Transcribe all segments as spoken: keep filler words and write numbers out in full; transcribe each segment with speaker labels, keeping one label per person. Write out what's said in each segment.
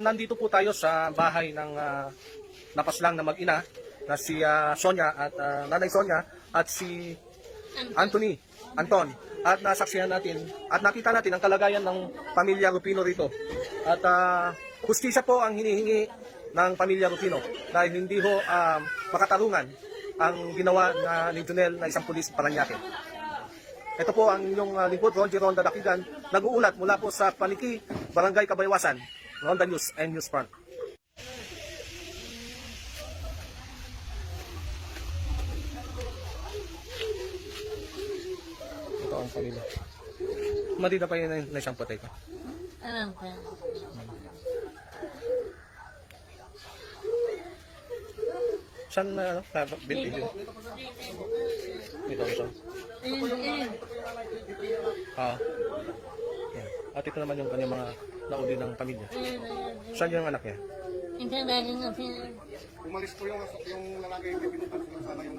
Speaker 1: Nandito po tayo sa bahay ng uh, napaslang na mag-ina na si uh, Sonia at uh, Nanay Sonia at si Anthony, Anton. At nasaksihan natin at nakita natin ang kalagayan ng pamilya Rufino rito. At uh, hustisya po ang hinihingi ng pamilya Rufino dahil hindi ho uh, makatarungan ang ginawa na ni Junel na isang pulis Parañaque. Ito po ang inyong uh, lingkod, Ron Gironda Dakigan, nag-uulat mula po sa Paniki, Barangay Kabaywasan, Ronda News and News Front. Ito ang pamilya. Madida pa yun na, na isang patay ko.
Speaker 2: Alam ko.
Speaker 1: Saan na, ano, binti dito? Dito, dito. Ah. Yan. At ito naman yung kanyang mga nauli ng pamilya. Saan yung anak niya?
Speaker 2: Ito galing na sila.
Speaker 3: Umalis po yung, yung lalaki yung pinutan ko sana yung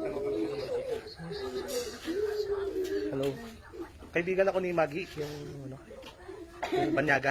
Speaker 1: Hello. Kaibigan ako ni Maggie, yung ano, yung Banyaga.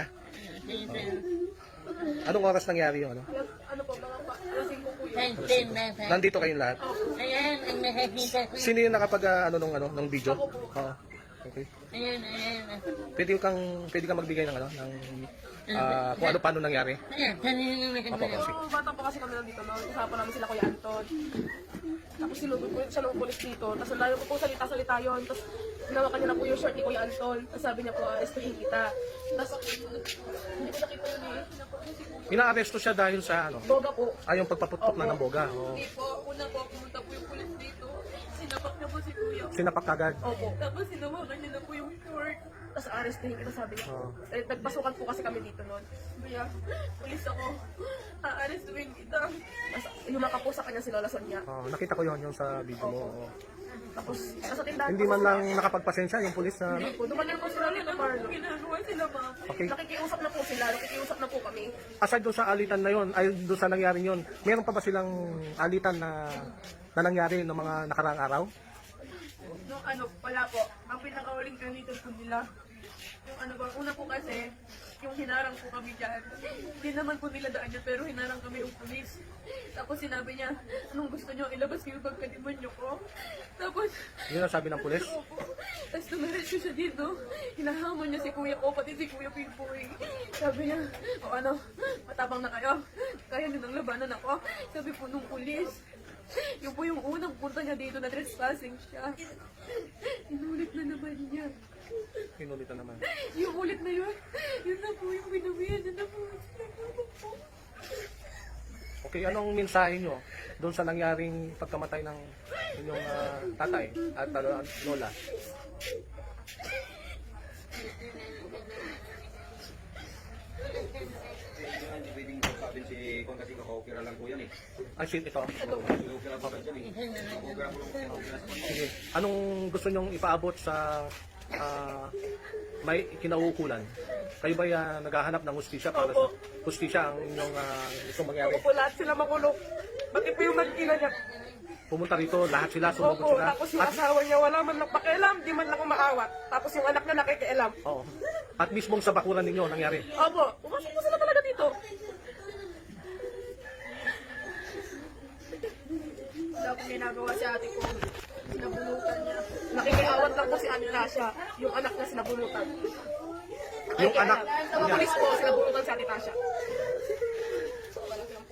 Speaker 1: Oh. Anong oras nangyari yung ano?
Speaker 4: Ano po, mga pa, alasing ko po yun.
Speaker 2: Kantin na sa.
Speaker 1: Nandito kayong lahat.
Speaker 2: Ayan, ang nakakita ko.
Speaker 1: Sino yung nakapag uh, ano nung ano, nung video? Oo. Okay.
Speaker 2: Ayan, ayan.
Speaker 1: Pwede kang pwede kang magbigay ng ano, ng ah, kung ano paano nangyari.
Speaker 2: Ayan, kanina na
Speaker 1: Apo,
Speaker 2: nakita.
Speaker 1: sige.
Speaker 4: So, bata po kasi kami nandito, no? Usapan namin sila Kuya Anton. Tapos sinugod po siya ng pulis dito. Tapos ang layo ko po salita-salita yun. Tapos ginawa kanya na po yung short ni Kuya Anton. Tapos sabi niya po, arestuhin kita. Tapos hindi ko nakita yun eh.
Speaker 1: Inaaresto siya dahil sa ano?
Speaker 4: Boga po.
Speaker 1: Ay, yung pagpaputok na ng boga. Oo.
Speaker 5: Hindi po, una po, pumunta po yung pulis dito. Sinapak na po si Kuya.
Speaker 1: Sinapak kagad.
Speaker 4: Opo.
Speaker 5: Tapos sinawakan niya na po yung short.
Speaker 4: Tapos arestuhin kita, sabi niya.
Speaker 1: Oo.
Speaker 4: Eh, nagpasukan po kasi kami dito noon.
Speaker 5: Kuya, pulis ako. Aarestuin kita.
Speaker 4: Tapos lumaka po sa kanya si Lola Sonia.
Speaker 1: Oo, nakita ko yon yung sa video mo. Oo.
Speaker 4: Tapos nasa tindahan
Speaker 1: Hindi
Speaker 4: po
Speaker 1: man
Speaker 4: sila.
Speaker 1: lang nakapagpasensya yung pulis na ano?
Speaker 4: Po, dumanan po sila nito, Marlo.
Speaker 5: Ginagawa sila ba?
Speaker 1: Okay.
Speaker 4: Nakikiusap na po sila, nakikiusap na po kami.
Speaker 1: Aside doon sa alitan na yon, ay doon sa nangyari yon, meron pa ba silang alitan na na nangyari ng mga nakaraang araw?
Speaker 5: Nung ano, wala po. Ang pinakauling ganito po nila. Yung ano ba, una po kasi, yung hinarang po kami dyan. Hindi naman po nila daan yun, pero hinarang kami yung pulis. Tapos sinabi niya, anong gusto niyo, ilabas ko yung pagkadimonyo ko. Tapos,
Speaker 1: Yun ang sabi ng pulis.
Speaker 5: opo. Tapos tumiretso siya dito. Hinahamon niya si kuya ko, pati si kuya Pimpoy. Sabi niya, o ano, matapang na kayo. Kaya niyo nang labanan ako. Sabi po nung pulis. Yung po yung unang punta niya dito na trespassing siya. Inulit na naman niya.
Speaker 1: Pinulit na naman.
Speaker 5: Yung ulit na yun, yun na po yung binawian niya na po.
Speaker 1: Okay, anong mensahe nyo doon sa nangyaring pagkamatay ng inyong ah, tatay at uh, lola?
Speaker 3: Hindi pwedeng sabihin si Kung kasi kakokira lang po yan eh.
Speaker 1: Ay, shit, ito.
Speaker 3: Kakokira po yan eh. Kakokira po lang.
Speaker 1: Sige. Anong gusto nyong ipaabot sa ah, may kinauukulan? Kayo ba uh, naghahanap ng hustisya para sa hustisya ang inyong uh, gustong mangyari?
Speaker 4: Opo, lahat sila makulong. Pati po yung mag-ina niya.
Speaker 1: Pumunta rito, lahat sila, sumugod
Speaker 4: Opo,
Speaker 1: sila.
Speaker 4: tapos yung
Speaker 1: At,
Speaker 4: asawa niya wala man lang pakialam, di man lang umaawat. Tapos yung anak niya nakikialam.
Speaker 1: oo. At mismong sa bakuran ninyo nangyari.
Speaker 4: Opo, pumasok po sila talaga dito.
Speaker 5: Wala po ginagawa si ate ko. Sinabunutan niya.
Speaker 4: Nakikiawat lang po si Anitasha. Yung anak niya sinabunutan.
Speaker 1: Yung anak
Speaker 4: Sa mga
Speaker 1: niya,
Speaker 4: pulis po, sinabunutan si Anitasha.